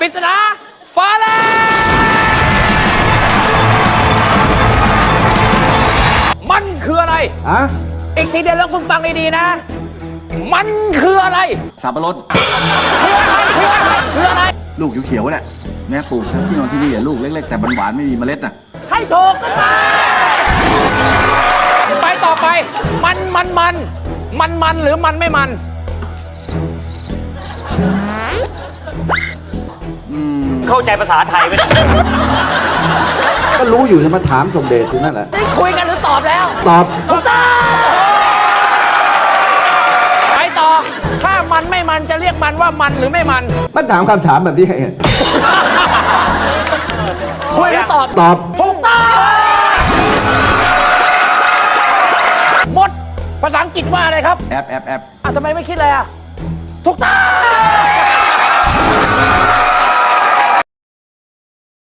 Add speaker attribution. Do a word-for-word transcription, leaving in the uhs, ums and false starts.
Speaker 1: ปริศนาฟ้าแลบมันคืออะไรอะอีกทีเดียวแล้วคุณฟังดีๆนะมันคืออะไร
Speaker 2: สับปะรด
Speaker 1: คืออะไรคืออะไรคืออะไร
Speaker 2: ลูกเขียวๆแหละแม่ปลูกทั้งที่นอนที่นี่ลูกเล็กๆแต่หวานๆไม่มีเมล็ดน่ะ
Speaker 1: ให้ถูกกันไปต่อไปมันมันมันมันมันหรือมันไม่มัน
Speaker 3: เข้าใจภาษาไทยไหม
Speaker 2: ก็รู้อยู่จะมาถามสมเด็จอยู่นั่นแหละ
Speaker 1: ได้คุยกันหรือตอบแล้ว
Speaker 2: ตอบ
Speaker 1: ถูกต้องไปต่อถ้ามันไม่มันจะเรียกมันว่ามันหรือไม่มัน
Speaker 2: มันถามคำถามแบบนี้ให้
Speaker 1: คุยหรือตอบ
Speaker 2: ตอบ
Speaker 1: ถูกต้องหมดภาษาอังกฤษว่าอะไรครับ
Speaker 2: แอปแอปแอป
Speaker 1: อ่ะทำไมไม่คิดเลยอ่ะถูกต้อง